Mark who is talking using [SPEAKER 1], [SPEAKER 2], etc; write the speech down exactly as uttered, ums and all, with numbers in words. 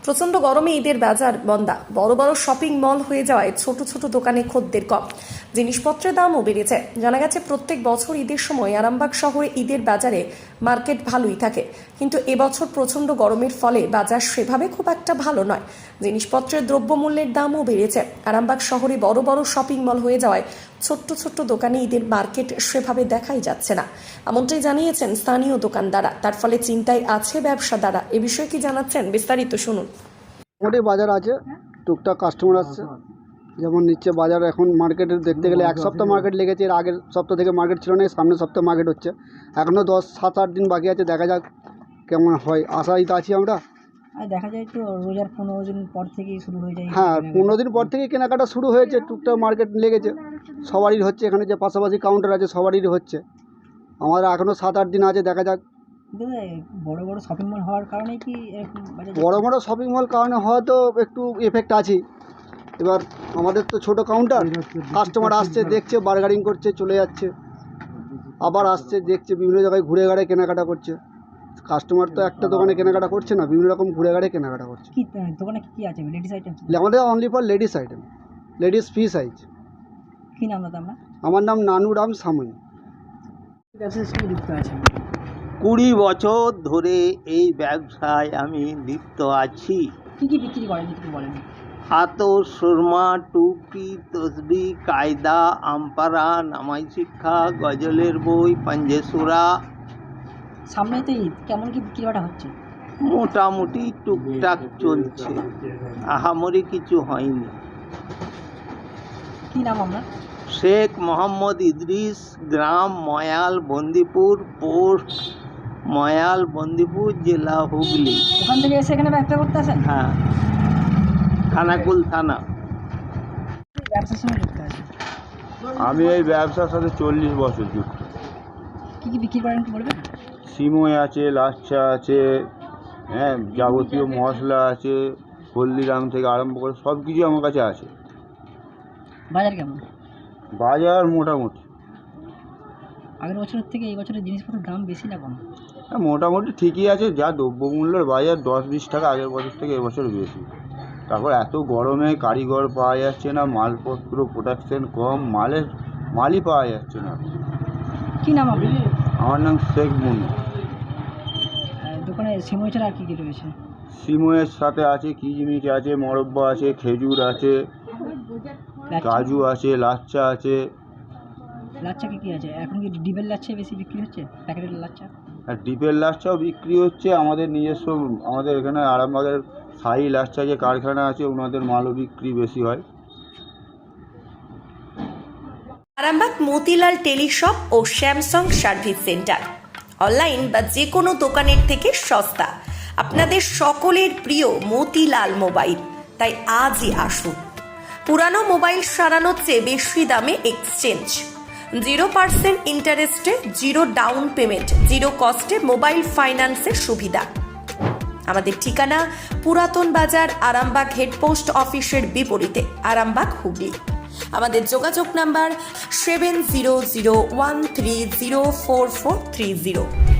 [SPEAKER 1] প্রচণ্ড গরমে ঈদের বাজার বন্ধা, বড় বড় শপিং মল হয়ে যাওয়ায় ছোট ছোট দোকানে খদ্দের কম, জিনিসপত্রের দামও বেড়েছে। জানা গেছে প্রত্যেক বছর ঈদের সময় আরামবাগ শহরে ঈদের বাজারে মার্কেট ভালোই থাকে, কিন্তু এবছর প্রচণ্ড গরমের ফলে বাজার সেভাবে খুব একটা ভালো নয়। জিনিসপত্রের দ্রব্যমূল্যের দামও বেড়েছে। আরামবাগ শহরে বড় বড় শপিং মল হয়ে যাওয়ায় ছোট্ট ছোট্ট দোকানে ঈদের মার্কেট সেভাবে দেখাই যাচ্ছে না, এমনটাই জানিয়েছেন স্থানীয় দোকানদাররা। তার ফলে চিন্তায় আছে ব্যবসাদাররা। এ বিষয়ে কি জানাচ্ছেন বিস্তারিত শুনুন।
[SPEAKER 2] মোটামুটি বাজার আছে, টুকটাক কাস্টমার আসছে, যেমন নিচ্ছে বাজার। এখন মার্কেটে দেখতে গেলে এক সপ্তাহ মার্কেট লেগেছে, এর আগের সপ্তাহ থেকে মার্কেট ছিল না, সামনের সপ্তাহ মার্কেট হচ্ছে। এখনও দশ সাত আট দিন বাকি আছে, দেখা যাক কেমন হয়, আশাই তো আছি আমরা।
[SPEAKER 3] আর দেখা যায় তো রোজার পনেরো দিন পর থেকেই শুরু হয়ে যায়।
[SPEAKER 2] হ্যাঁ, পনেরো দিন পর থেকে কেনাকাটা শুরু হয়েছে, টুকটাক মার্কেট লেগেছে, সবারই হচ্ছে। এখানে যে পাশাপাশি কাউন্টার আছে সবারই হচ্ছে, আমাদের এখনও সাত আট দিন আছে, দেখা যাক।
[SPEAKER 3] বড় বড় শপিং মল হওয়ার কারণে কি এরকম বাজার?
[SPEAKER 2] বড় বড় শপিং মল কারণে হয়তো একটু এফেক্ট আছে। এবার আমাদের তো ছোট কাউন্টার, কাস্টমার আসছে, দেখছে, বার্গারিং করছে, চলে যাচ্ছে, আবার আসছে, দেখছে, বিভিন্ন জায়গায় ঘুরে ঘাড়ে কেনাকাটা করছে। কাস্টমার তো একটা দোকানে কেনাকাটা করছে না, বিভিন্ন রকম ঘুরে ঘাড়ে কেনাকাটা করছে।
[SPEAKER 3] কি দোকানে কি কি আছে? Ladies item?
[SPEAKER 2] আমাদের only for ladies item, ladies free size.
[SPEAKER 3] কি নাম দাদা আপনার?
[SPEAKER 2] আমার নাম নানুরাম সামুই।
[SPEAKER 3] ব্যবসার সঙ্গে যুক্ত আছে
[SPEAKER 4] কুড়ি বছর ধরে এই ব্যবসায় আমি লিপ্ত আছি।
[SPEAKER 3] কি কি বিক্রি করেন একটু বলেন।
[SPEAKER 4] হাতর, সুরমা, টুপি, তসবি, কায়দা, আমপারা, নামাই শিক্ষা, গজলের বই, পাঞ্জেসুরা।
[SPEAKER 3] সামনে তো ঈদ, কেমন কি বিক্রি বাটা হচ্ছে?
[SPEAKER 4] মোটামুটি টুকটাক চলছে, আহামরি কিছু হয়নি।
[SPEAKER 3] কি নাম আপনার?
[SPEAKER 4] শেখ মোহাম্মদ ইদ্রিস, গ্রাম ময়াল, বন্দিপুর, পোস্ট ময়াল, বন্দিপুর, জেলা হুগলি।
[SPEAKER 3] ওখান থেকে এসে এখানে ব্যবসা করতে আসেন?
[SPEAKER 4] হ্যাঁ, খানাকুল থানা।
[SPEAKER 3] ব্যবসার সঙ্গে যুক্ত আছে।
[SPEAKER 5] আমি এই ব্যবসার সাথে চল্লিশ বছর যুক্ত।
[SPEAKER 3] কি কি বিক্রি করেন একটু বলবেন?
[SPEAKER 5] সিমই আছে, লাচ্ছা আছে, হ্যাঁ, যাবতীয় মশলা আছে, হলদিরাম থেকে আরম্ভ করে সব কিছু আমার কাছে আছে।
[SPEAKER 3] বাজার কেমন?
[SPEAKER 5] বাজার মোটামুটি
[SPEAKER 3] আগের বছরের থেকে এই বছরের জিনিসপত্রের দাম বেশি না কম?
[SPEAKER 5] হ্যাঁ, মোটামুটি ঠিকই আছে। যা দ্রব্যমূল্যের বাজার দশ বিশ টাকা আগের বছর থেকে এবছর বেশি। তারপর এত গরমে কারিগর পাওয়া যাচ্ছে না, মালপত্র প্রোডাকশন কম, মালের মালই পাওয়া যাচ্ছে না।
[SPEAKER 3] কি নাম আপনার?
[SPEAKER 5] আমার নাম শেখ মুনি।
[SPEAKER 3] দোকানে সিমই ছাড়া আর কী কী রয়েছে?
[SPEAKER 5] সিমইয়ের সাথে আছে কিচমিচ আছে, মরব্বা আছে, খেজুর আছে, কাজু আছে, লাচ্চা আছে।
[SPEAKER 3] লাচ্চা কি কি আছে এখন? কি ডিবের লাচ্চা বেশি বিক্রি হচ্ছে, প্যাকেটের লাচ্চা?
[SPEAKER 5] আর ডিপের লাচ্চাও বিক্রি হচ্ছে। আমাদের নিজস্ব, আমাদের এখানে আরামবাগের সাই লাচ্চা যে কারখানা আছে, ওনাদের মালও বিক্রি বেশি হয়।
[SPEAKER 1] আরামবাগ মতিলাল টেলিশপ ও স্যামসাং সার্ভিস সেন্টার, অনলাইন বা যে কোনো দোকানের থেকে সস্তা। আপনাদের সকলের প্রিয় মতিলাল মোবাইল, তাই আজই আসুন। পুরানো মোবাইল সারানোর চেয়ে বেশি দামে এক্সচেঞ্জ, জিরো পার্সেন্ট ইন্টারেস্টে, জিরো ডাউন পেমেন্ট, জিরো কস্টে মোবাইল ফাইন্যান্সের সুবিধা। আমাদের ঠিকানা পুরাতন বাজার, আরামবাগ হেডপোস্ট অফিসের বিপরীতে, আরামবাগ হুগলি। আমাদের যোগাযোগ number seven zero zero one three zero four four three zero.